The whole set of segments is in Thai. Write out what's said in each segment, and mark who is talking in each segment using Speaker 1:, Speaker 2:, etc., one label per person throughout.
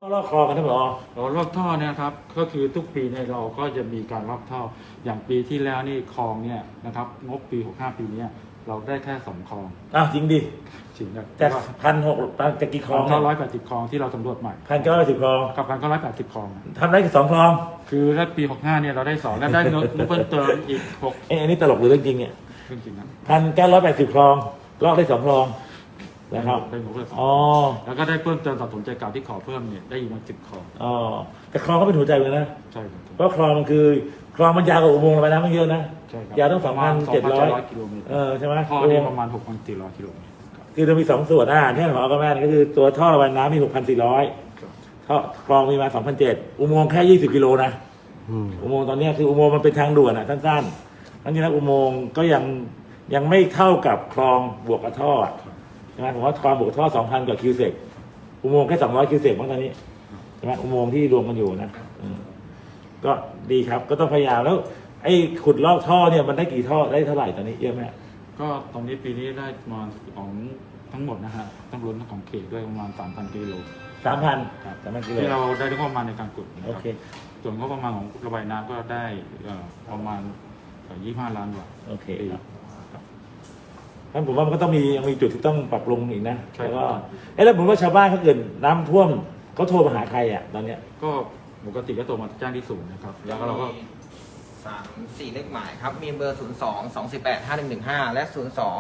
Speaker 1: ลอกคลองกันท่านผอ.
Speaker 2: ลอกท่อเนี่ยครับก็คือทุกปีเนี่ยเราก็จะมีการลอกท่ออย่างปีที่แล้วนี่คลองเนี่ยนะครับงบปี65ปีนี้เราได้แค่2คลอง
Speaker 1: จริงดิ
Speaker 2: จริงนะ
Speaker 1: จาก1,600จากกี่คลอง
Speaker 2: 1,980คลองที่เราสำรวจใหม่
Speaker 1: 1,980คลอง
Speaker 2: กับ1,980คลอง
Speaker 1: ทำได้แค่2คลอง
Speaker 2: คือถ้าปี65เนี่ยเราได้2และได้เงินเพิ่มเติมอีก6
Speaker 1: อันนี้ตลกหรือเรื่องจริงเนี่ย
Speaker 2: เรื่องจริงนะ
Speaker 1: 1,980คลองลอกได้2คลองนะครับ
Speaker 2: ได้งบเพิ่มแล้วก็ได้เพิ่มเติมสะสมใจเก่าที่ขอเพิ่มเนี่ยได้อีกมา10คลอง
Speaker 1: แต่คลองก็เป็นหัวใจเลยนะ
Speaker 2: ใช่ครับ
Speaker 1: เพราะคลองมันคือคลองมันยาวกว่าอุโมงค์ระบายน้ำมันเยอะนะ
Speaker 2: ใช่ครับ
Speaker 1: ยาวต้อง
Speaker 2: 2,700 กิโลเมตร
Speaker 1: ใช่ไหม
Speaker 2: ท่อนี่ประมาณ 6,400 กิโลเมตร
Speaker 1: คือจะมี2ส่วนที่หมอก็แม่ก็คือตัวท่อระบายน้ำมี 6,400ท่อคลองมีมา 2,700 อุโมงค์แค่20 กิโลนะอุโมงค์ตอนนี้คืออุโมงค์มันเป็นทางด่วนสั้นๆทั้งนี้นะอุโมงค์ก็ยังไม่เท่ากับคลองบวกกับท่อใช่ไหมผมว่าคลองบวกท่อ 2,000 กว่าคิวเซกอุโมงค์แค่200 คิวเซกมั้งตอนนี้ใช่ไหมอุโมงค์ที่รวมกันอยู่นะก็ดีครับก็ต้องพยายามแล้วไอ้ขุดลอกท่อเนี่ยมันได้กี่ท่อได้เท่าไหร่ตอนนี้เยอะไหม
Speaker 2: ก็ตรงนี้ปีนี้ได้มาของทั้งหมดนะฮะต้องรวมทั้งของเขตด้วยประมาณ 3,000 กิโล
Speaker 1: 3,000กิโล
Speaker 2: ที่เราได้งบประมาณในการขุด
Speaker 1: โอเค
Speaker 2: ส่วนงบประมาณของระบายน้ำก็ได้ประมาณ25 ล้านบาท
Speaker 1: โอเคครับท่านผมว่ามันก็ต้องยังมีจุดที่ต้องปรับปรุงอีกนะแล้วก็แล้วผมว่าชาวบ้านเขาเกิดน้ำท่วมเขาโทรมาหาใครตอนเนี้ย
Speaker 2: ก็ปกติก็โทรมาแจ้งที่ศูนย์นะครับแล้วก็เราก็
Speaker 3: 3-4 เลขหมายครับมีเบอร์ 02-248-5115 และ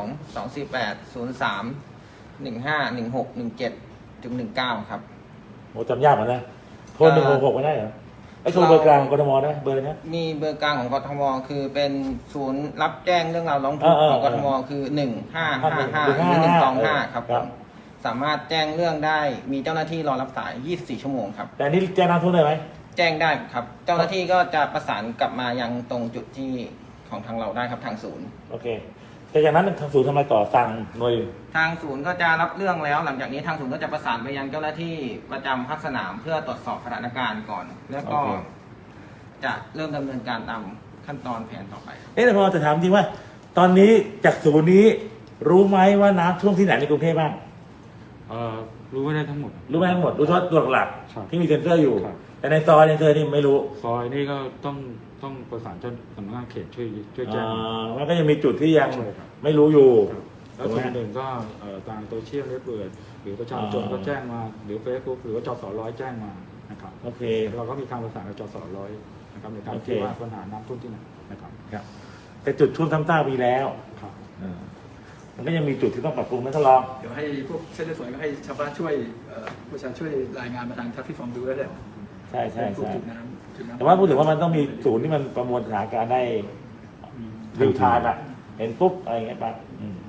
Speaker 3: 02-248-03-15-16-17-19 ครับ
Speaker 1: โอ้จำยากเหมือนกันโทร166ไม่ได้เหรอไอ้โทรเบอร์กลางกทมได้เบอร์นี้
Speaker 3: มีเบอร์กลางของกทมคือเป็นศูนย์รับแจ้งเรื่องราวร้องทุกข์ของกทมคือ1555หรือ125ครับสามารถแจ้งเรื่องได้มีเจ้าหน้าที่รอรับสาย24 ชั่วโมงครับ
Speaker 1: แต่นี่แจ้งน้ำท่วมได้ไหม
Speaker 3: แจ้งได้ครับเจ้าหน้าที่ก็จะประสานกลับมายังตรงจุดที่ของทางเราได้ครับทางศูนย์
Speaker 1: โอเคแต่จากนั้นทางศูนย์ทำไมต่อสั่งหน่วย
Speaker 3: ทางศูนย์ก็จะรับเรื่องแล้วหลังจากนี้ทางศูนย์ก็จะประสานไปยังเจ้าหน้าที่ประจำภาคสนามเพื่อตรวจสอบสถานการณ์ก่อนแล้วก็จะเริ่มดำเนินการตามขั้นตอนแผนต่อไป
Speaker 1: แต่พอจะถามจริงว่าตอนนี้จากศูนย์นี้รู้ไหมว่าน้ำท่วมที่ไหนในกรุงเทพบ้าง
Speaker 2: รู้ไม่ได้ทั้งหมด
Speaker 1: รู้ไม่ทั้งหมดรู้เฉพาะตัวหลักที่มีเซ็นเซอร์อยู่แต่ในซอยนี่ไม่รู้
Speaker 2: ซอยนี่ก็ต้องประสานเจ้าสำนักงานเขตช่วยแจ้ง
Speaker 1: มันก็ยังมีจุดที่ยังไม่รู้อยู่
Speaker 2: แล้วส่วนหนึ่งก็ทางโซเชียลเน็ตเวิร์กหรือประชาชนก็แจ้งมาหรือเฟซบุ๊กหรือว่าจส.100แจ้งมานะครับ
Speaker 1: โอเค
Speaker 2: เราก็มีการประสานกับจส.100นะครับในการที่ว่าปัญหาน้ำท่วมที่ไหนนะครับ
Speaker 1: แต่จุดท่วมซ้ำซากมีแล้ว
Speaker 2: ครับ
Speaker 1: มันก็ยังมีจุดที่ต้องปรับปรุงนะท่านรอง
Speaker 4: เดี๋ยวให้พวกเส้นเลือดฝอยก็ให้ชาวบ้านช่วยประชาชนช่วยรายงานมาทางทัพที่ฟอร์มดูได้เลย
Speaker 1: ใช่
Speaker 4: จุดน้ำ
Speaker 1: แต่ว่าพูดถึงว่ามันต้องมีศูนย์ที่มันประมวลสถานการณ์ได้รีทายเห็นปุ๊บอะไรอย่างเงี้ยปั๊บ